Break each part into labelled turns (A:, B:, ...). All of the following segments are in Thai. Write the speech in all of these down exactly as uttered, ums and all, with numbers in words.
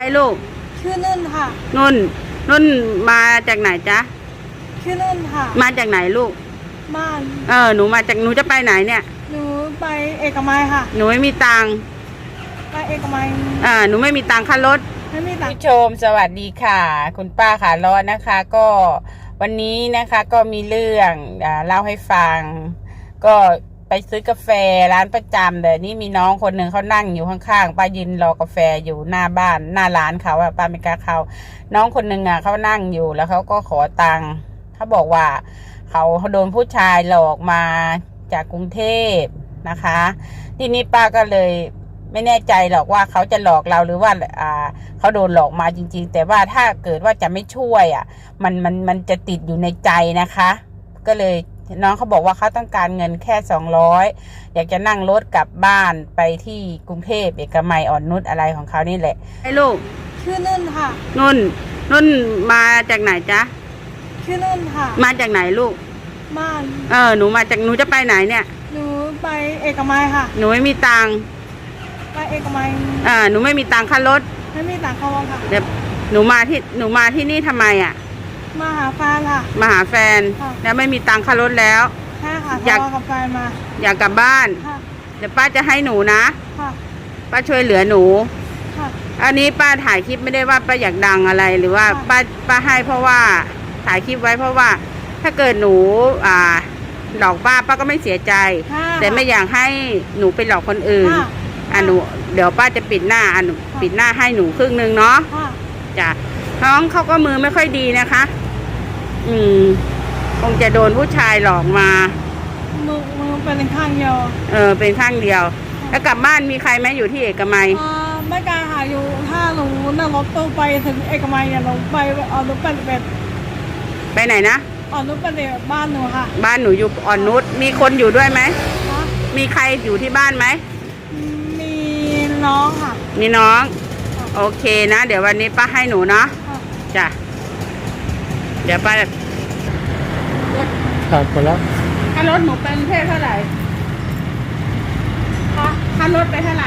A: ไอ้ลูก
B: ชื่อนุ่นค่ะ
A: นุ่นนุ่นมาจากไหนจ๊ะ
B: ชื่อนุ่นค่ะ
A: มาจากไหนลูก
B: บ้าน
A: เออหนูมาจากหนูจะไปไหนเนี่ย
B: หนูไปเอกมัยค่ะ
A: หนูไม่มีตังค์
B: ไปเอกมัย
A: อ่าหนูไม่มีตังค่ารถ
B: ไม่มีตังค์
A: ผู้ชมสวัสดีค่ะคุณป้าขาล้อนะคะ ก็วันนี้นะคะก็มีเรื่องอ่าเล่าให้ฟังก็ไปซื้อกาแฟร้านประจำแต่นี่มีน้องคนหนึ่งเขานั่งอยู่ข้างๆป้ายืนรอกาแฟอยู่หน้าบ้านหน้าร้านเขาอะป้าไม่กล้าเข้าน้องคนหนึ่งอะเขานั่งอยู่แล้วเขาก็ขอตังค์เขาบอกว่าเขาโดนผู้ชายหลอกมาจากกรุงเทพนะคะทีนี้ป้าก็เลยไม่แน่ใจหรอกว่าเขาจะหลอกเราหรือว่าอ่าเขาโดนหลอกมาจริงๆแต่ว่าถ้าเกิดว่าจะไม่ช่วยอ่ะมันมันมันจะติดอยู่ในใจนะคะก็เลยน้องเขาบอกว่าเขาต้องการเงินแค่สองร้อยอยากจะนั่งรถกลับบ้านไปที่กรุงเทพเอกมัยอ่อนนุชอะไรของเขานี่แหละไอ้ลูก
B: ชื่อนุ่นค่ะ
A: นุ่นนุ่นมาจากไหนจ๊ะ
B: ชื่อนุ่นค่ะ
A: มาจากไหนลูก
B: บ้าน
A: เออหนูมาจากหนูจะไปไหนเนี่ย
B: หนูไปเอกมัยค่ะ
A: หนูไม่มีตังค์
B: ไปเอกมัย
A: อ่าหนูไม่มีตังค่ารถ
B: ไม่มีตังค่ารถค่ะ
A: เดี๋ยวหนูมาที่หนูมาที่นี่ทำไมอ่ะ
B: มาหาแฟนค่ะ
A: มาหาแฟนแล้วไม่มีตังค่ารถแล้ว
B: ใช่ค่ะอยากกับแฟนมา
A: อยากกลับบ้านเดี๋ยวป้าจะให้หนูนะป้าช่วยเหลือหนูอันนี้ป้าถ่ายคลิปไม่ได้ว่าป้าอยากดังอะไรหรือว่าป้าป้าให้เพราะว่าถ่ายคลิปไว้เพราะว่าถ้าเกิดหนูอ่าหลอกป้าป้าก็ไม่เสียใจแต่ไม่อยากให้หนูไปหลอกคนอื่นอ่ะหนูเดี๋ยวป้าจะปิดหน้าอ่ะหนูปิดหน้าให้หนูครึ่งนึงเนาะจ้ะน้องเขาก็มือไม่ค่อยดีนะคะอืมคงจะโดนผู้ชายหลอกมา
B: มือมือเป็นข้างเดียว
A: เออเป็นข้างเดียวแล้วกลับบ้านมีใครไหมอยู่ที่เอกมัย
B: อ่าไม่กล้าหาอยู่ถ้าหนูนั่งรถตู้ไปถึงเอกมัยเนี่ยหนูไปอ่อนนุชเป็นแบบ
A: ไปไหนนะ
B: อ่อนนุชเป็นแบบบ้านหนูค่ะ
A: บ้านหนูอยู่อ่อนนุชมีคนอยู่ด้วยไหมมีใครอยู่ที่บ้านไหม
B: มีน้องค่ะ
A: มีน้องโอเคนะเดี๋ยววันนี้ป้าให้หนูเนาะจ้ะเดี๋ยวป้า
C: ขาดไปแล้ว
A: ค่ารถหนูเป็นเท่าไหร่คะค่ารถไปเท่าไหร่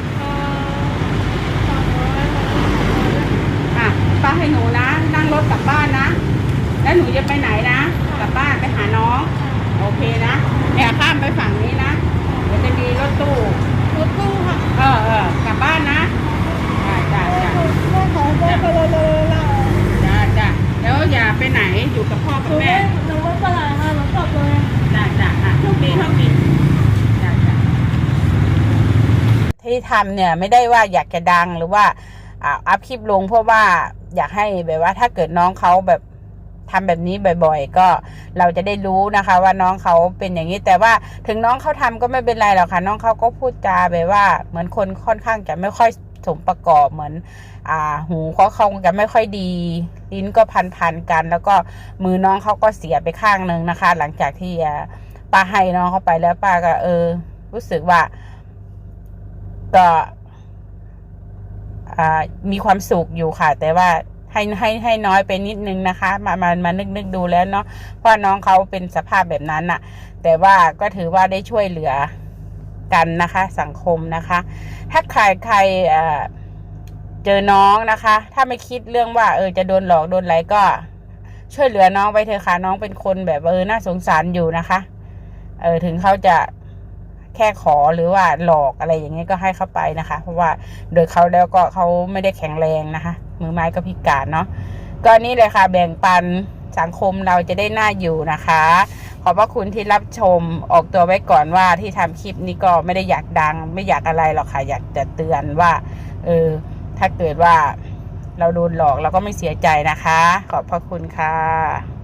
A: อ่ะป้าให้หนูนะนั่งรถกลับบ้านนะแล้วหนูจะไปไหนนะกลับบ้านไปหาน้องโอเคนะเนี่ยข้ามไปฝั่งนี้นะเดี๋ยวจะมีรถตู้
B: รถตู้ค่ะ
A: เออเออกลับบ้านนะจ้าจ้าจ้า
B: ไม่ขอไปเลยเลยละ
A: จ้าจ้าแล้วอย่าไปไหนอยู่กับพ่อกับแม่
B: หนูไม่ไปไหนค่ะหนูกลับเลย
A: จ้าจ้าอ่ะโชคดีโชคดีจ้าจ้าที่ทำเนี่ยไม่ได้ว่าอยากจะดังหรือว่าอ่าอัพคลิปลงเพราะว่าอยากให้แบบว่าถ้าเกิดน้องเขาแบบทำแบบนี้บ่อยๆก็เราจะได้รู้นะคะว่าน้องเขาเป็นอย่างนี้แต่ว่าถึงน้องเขาทำก็ไม่เป็นไรหรอกค่ะน้องเขาก็พูดจาแบบว่าเหมือนคนค่อนข้างจะไม่ค่อยสมประกอบเหมือนอ่าหูเขาคงจะไม่ค่อยดีลิ้นก็พันๆกันแล้วก็มือน้องเขาก็เสียไปข้างหนึ่งนะคะหลังจากที่ป้าให้น้องเขาไปแล้วป้าก็เออรู้สึกว่าก็อ่ามีความสุขอยู่ค่ะแต่ว่าให้ให้ให้น้อยไปนิดนึงนะคะมามามานึกนึกดูแล้วเนาะเพราะน้องเขาเป็นสภาพแบบนั้นน่ะแต่ว่าก็ถือว่าได้ช่วยเหลือกันนะคะสังคมนะคะถ้าใครใครเอ่อเจอน้องนะคะถ้าไม่คิดเรื่องว่าเออจะโดนหลอกโดนอะไรก็ช่วยเหลือน้องไปเถอะค่ะน้องเป็นคนแบบเออน่าสงสารอยู่นะคะเออถึงเขาจะแค่ขอหรือว่าหลอกอะไรอย่างเงี้ยก็ให้เขาไปนะคะเพราะว่าโดยเขาแล้วก็เขาไม่ได้แข็งแรงนะคะมือไม้ก็พิการเนาะก็นี่เลยค่ะแบ่งปันสังคมเราจะได้น่าอยู่นะคะขอบพระคุณที่รับชมออกตัวไว้ก่อนว่าที่ทำคลิปนี้ก็ไม่ได้อยากดังไม่อยากอะไรหรอกค่ะอยากจะเตือนว่าเออถ้าเกิดว่าเราโดนหลอกเราก็ไม่เสียใจนะคะขอบพระคุณค่ะ